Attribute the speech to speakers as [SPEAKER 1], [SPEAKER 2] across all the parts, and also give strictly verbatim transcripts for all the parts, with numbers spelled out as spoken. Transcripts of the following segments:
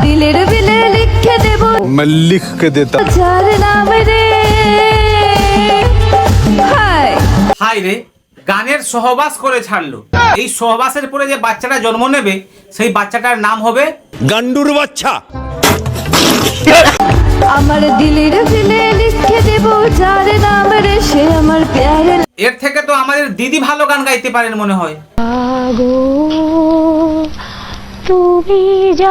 [SPEAKER 1] দিলের বিলে লিখে দেব,
[SPEAKER 2] मैं लिख के देता।
[SPEAKER 1] যার নাম রে। হায়
[SPEAKER 3] হাই রে, গানের সহবাস করে ছাড়লো। এই সহবাসের পরে যে বাচ্চাটা জন্ম নেবে সেই বাচ্চাটার নাম হবে
[SPEAKER 2] गांडूर बच्चा।
[SPEAKER 1] আমার দিলের বিলে লিখে দেব, যার নাম রে সে আমার প্যারে।
[SPEAKER 3] এর থেকে তো আমাদের দিদি ভালো গান গাইতে পারেন মনে হয়।
[SPEAKER 1] আগো তুমি যা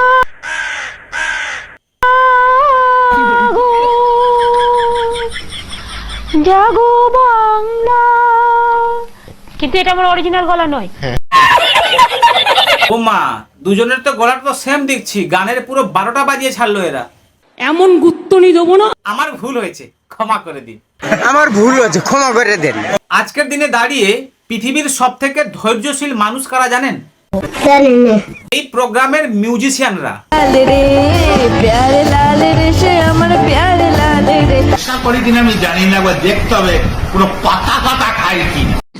[SPEAKER 1] জাগো বাংলা,
[SPEAKER 4] কিন্তু এটা আমার অরিজিনাল গলা নয়।
[SPEAKER 3] ও মা, দুজনের তো গলাটা তো সেম দেখছি, গানের পুরো বারোটা বাজিয়ে ছাড়লো এরা।
[SPEAKER 4] এমন গুত্তনি দেবো না।
[SPEAKER 3] আমার ভুল হয়েছে, ক্ষমা করে দিন।
[SPEAKER 5] আমার ভুল হয়েছে, ক্ষমা করে দেন।
[SPEAKER 3] আজকের দিনে দাঁড়িয়ে পৃথিবীর সব থেকে ধৈর্যশীল মানুষ কারা জানেন? এই প্রোগ্রামের মিউজিশিয়ানরা।
[SPEAKER 1] লাল রে প্যারে লাল রে সে আমার প্যারে লাল রে।
[SPEAKER 6] আশা করি কিনা আমি জানি না, একবার দেখতে হবে পুরো পাতা পাতা খায় কি।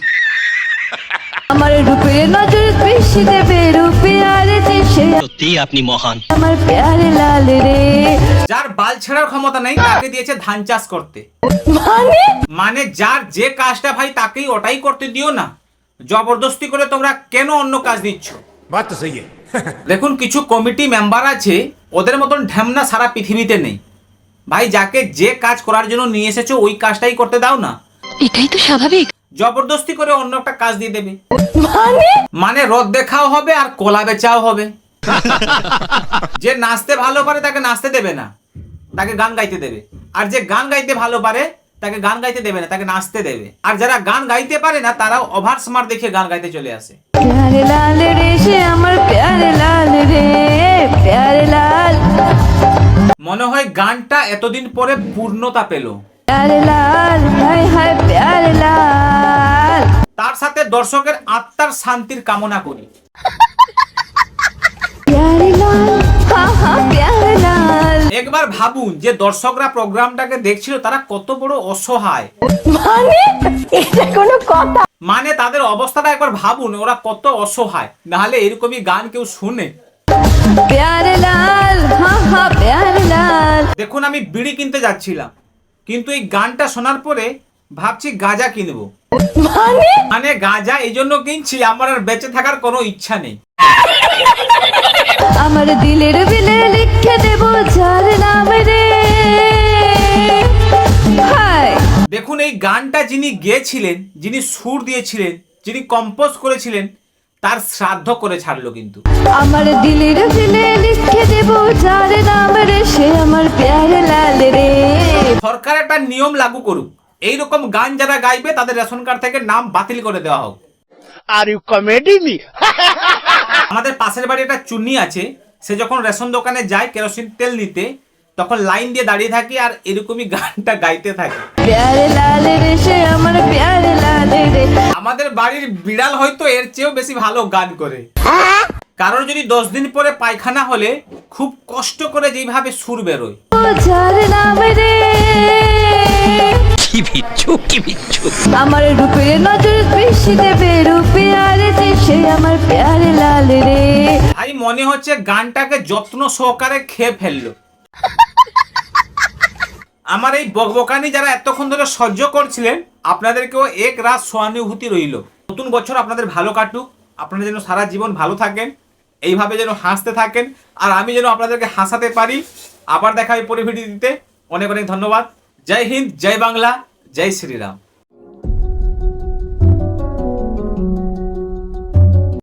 [SPEAKER 1] আমার রূপের নজর বেশি দেবে, রূপে আর দেশে
[SPEAKER 7] সত্যি আপনি মহান।
[SPEAKER 1] আমার প্যারে লাল রে।
[SPEAKER 3] যার বাল ছেড়ার ক্ষমতা নেই তাকে দিয়েছে ধান চাষ করতে।
[SPEAKER 1] মানে
[SPEAKER 3] মানে যার যে কাজটা ভাই তাকেই ওটাই করতে দিও না, জবরদস্তি করে তোমরা কেন অন্য কাজ দিচ্ছ?
[SPEAKER 2] बात तो सही है।
[SPEAKER 3] দেখুন, কিছু কমিটি মেম্বার আছে, ওদের মতন ঢ্যামনা সারা পৃথিবীতে নেই। ভাই যাকে যে কাজ করার জন্য নিয়ে এসেছো ওই কাজটাই করতে দাও না।
[SPEAKER 4] এটাই তো স্বাভাবিক।
[SPEAKER 3] জবরদস্তি করে অন্য একটা কাজ দিয়ে দেবে,
[SPEAKER 1] মানে
[SPEAKER 3] মানে রদ দেখাও হবে আর কলা বেচাও হবে। যে নাচতে ভালো পারে তাকে নাচতে দেবে না, তাকে গান গাইতে দেবে। আর যে গান গাইতে ভালো পারে তাকে গান গাইতে দেবে না, তাকে নাচতে দেবে। আর যারা গান গাইতে পারে না তারাও ওভার স্মার্ট দেখে গান গাইতে চলে আসে।
[SPEAKER 1] প্যারে লাল রে সে আমার প্যারে লাল রে, প্যারে লাল।
[SPEAKER 3] মনে হয় গানটা এতদিন পরে পূর্ণতা পেল।
[SPEAKER 1] প্যারে লাল হায় হায় প্যারে লাল।
[SPEAKER 3] তার সাথে দর্শকের আত্মার শান্তির কামনা করি।
[SPEAKER 1] প্যারে লাল হা হা প্যারে লাল।
[SPEAKER 3] একবার ভাবুন যে দর্শকরা প্রোগ্রামটাকে দেখছিল তারা কত বড় অসহায়।
[SPEAKER 1] মানে এটা কোনো কথা?
[SPEAKER 3] মানে তাদের অবস্থাটা একবার ভাবুন, ওরা কত অসহায়, নাহলে এরকমই গান কেউ শুনে?
[SPEAKER 1] প্যারে লাল হা হা প্যারে লাল।
[SPEAKER 3] দেখুন, আমি বিড়ি কিনতে যাচ্ছিলাম, কিন্তু এই গানটা শোনার পরে ভাবছি গাঁজা কিনবো।
[SPEAKER 1] মানে
[SPEAKER 3] মানে গাঁজা এই জন্য কিনছি, আমার আর বেঁচে থাকার কোনো ইচ্ছা নেই।
[SPEAKER 1] আমার দিলের বিলে লিখে দেব, যার নাম রে। হায়
[SPEAKER 3] দেখুন, এই গানটা যিনি গেয়েছিলেন, যিনি সুর দিয়েছিলেন, যিনি কম্পোজ করেছিলেন, তার শ্রাদ্ধ করে ছাড়লো কিন্তু।
[SPEAKER 1] আমার দিলের বিলে লিখে দেব, যার নাম রে সে আমার প্যারে লাল রে।
[SPEAKER 3] সরকার একটা নিয়ম লাগু করুক, এইরকম গান যারা গাইবে তাদের রেশন কার্ড থেকে নাম বাতিল করে দেওয়া হোক।
[SPEAKER 5] Are you comedy me?
[SPEAKER 3] আমাদের পাশের বাড়ি একটা চুন্নি আছে, সে যখন রেশন দোকানে যায় কেরোসিন তেল নিতে, তখন লাইন দিয়ে দাঁড়িয়ে থাকি আর এরকমই গানটা গাইতে থাকে।
[SPEAKER 1] প্যারে লাল রে সে আমার প্যারে লাল রে।
[SPEAKER 3] আমাদের বাড়ির বিড়াল হয়তো এর চেয়েও বেশি ভালো গান করে। কারণ যদি দশ দিন পরে পায়খানা হলে খুব কষ্ট করে যেভাবে সুর বেরোয়।
[SPEAKER 1] যার নাম রে।
[SPEAKER 7] কি বিচ্ছু কি বিচ্ছু।
[SPEAKER 1] আমার রূপের নজর বেশি দেবে, রূপে আর দেশে আমার প্যারে লাল রে।
[SPEAKER 3] ভাই মনে হচ্ছে গানটাকে যত্ন সহকারে খেয়ে ফেললো। আমার এই বকবকানি যারা এতক্ষণ ধরে সহ্য করছিলেন, আপনাদেরকেও এক রাত সহানুভূতি রইল। নতুন বছর আপনাদের ভালো কাটুক, আপনারা যেন সারা জীবন ভালো থাকেন, এইভাবে যেন হাসতে থাকেন, আর আমি যেন আপনাদেরকে হাসাতে পারি। আবার দেখা হয় পরে ভিডিও দিতে। অনেক অনেক ধন্যবাদ। জয় হিন্দ, জয় বাংলা, জয় শ্রীরাম।